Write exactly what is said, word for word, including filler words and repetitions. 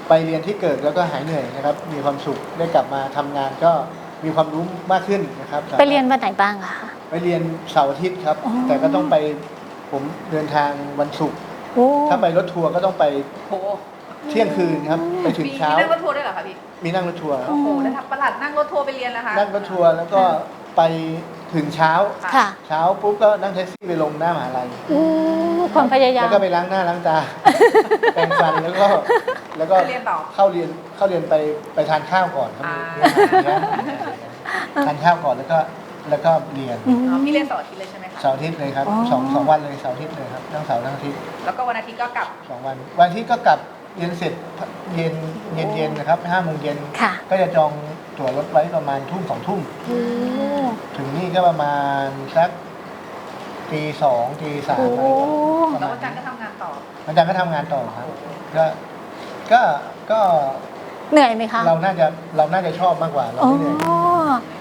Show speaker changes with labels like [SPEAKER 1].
[SPEAKER 1] ไปเรียนที่เกิดแล้วก็หายเหนื่อยนะครับมีความสุขได้กลับมาทำงานก็มีความรู้มากขึ้นนะครับ
[SPEAKER 2] ไปเรียนวันไหนบ้างอะคะ
[SPEAKER 1] ไปเรียนเสาร์อาทิตย์ครับแต่ก็ต้องไปผมเดินทางวันศุกร์ถ้าไปรถทัวร์ก็ต้องไป
[SPEAKER 3] โอ้โห
[SPEAKER 1] เที่ยงคืนครับไปถึง
[SPEAKER 3] มี
[SPEAKER 1] เช้า
[SPEAKER 3] นั่งรถทัวร์ด้วยเหรอคะพี่
[SPEAKER 1] มีนั่งรถทัวร์
[SPEAKER 3] โอ้โหแล้วทับประหลัดนั่งรถทัวร์ไปเรียนแล้วคะ
[SPEAKER 1] นั่งรถทัวร์แล้วก็ไปถึงเช้า
[SPEAKER 2] ค่ะ
[SPEAKER 1] เช้าปุ๊บก็นั่งแท็กซี่ไปลงหน้ามหาลัย
[SPEAKER 2] อู้ความพยายาม
[SPEAKER 1] แล้วก็ไปล้างหน้าล้างตา แปรงฟันแล้วก็แล้วก็
[SPEAKER 3] เรียนต่อ
[SPEAKER 1] เข้าเรียนเข้าเรียนไปไปทานข้าวก่อนครับ
[SPEAKER 3] อ่า
[SPEAKER 1] เรียนเรียนทานข้าวก่อนแล้วก็แล้วก็เรียน
[SPEAKER 2] อืม
[SPEAKER 3] อ๋อพี่เรียนเสาร์อาทิตย์เลยใช่ไหมคะ
[SPEAKER 1] เสาร์อาทิตย์เลยครับ
[SPEAKER 2] อ๋อ
[SPEAKER 1] สองสองวันเลยเสาร์อาทิตย์เลยครับทั้งเสาร์ทั้งอาทิตย์
[SPEAKER 3] แล้วก็วันอาทิตย์ก็กลับ
[SPEAKER 1] สองวันวันอาทิตย์ก็กลับเรียนเสร็จเย็นเย็นเย็นนะครับห้าโมงเย็น
[SPEAKER 2] ค่ะ
[SPEAKER 1] ก็จะจองตั๋วรถไว้ประมาณทุ่มสองทุ่ม
[SPEAKER 2] โอ้ ถึ
[SPEAKER 1] ถึงนี่ก็ประมาณสักตีสองตีสาม
[SPEAKER 2] โอ้
[SPEAKER 1] อะไรประ
[SPEAKER 3] แล้ว
[SPEAKER 1] มาณ
[SPEAKER 3] วันจันทร์ก็ทำงานต่อ
[SPEAKER 1] วันจันทร์ก็ทำงานต่อครับก็ก็ก็
[SPEAKER 2] เหนื่อยไหมคะ
[SPEAKER 1] เราน่าจะเราน่าจะชอบมากกว่าเรา
[SPEAKER 2] อ๋อ
[SPEAKER 1] ไม่เหนื่อย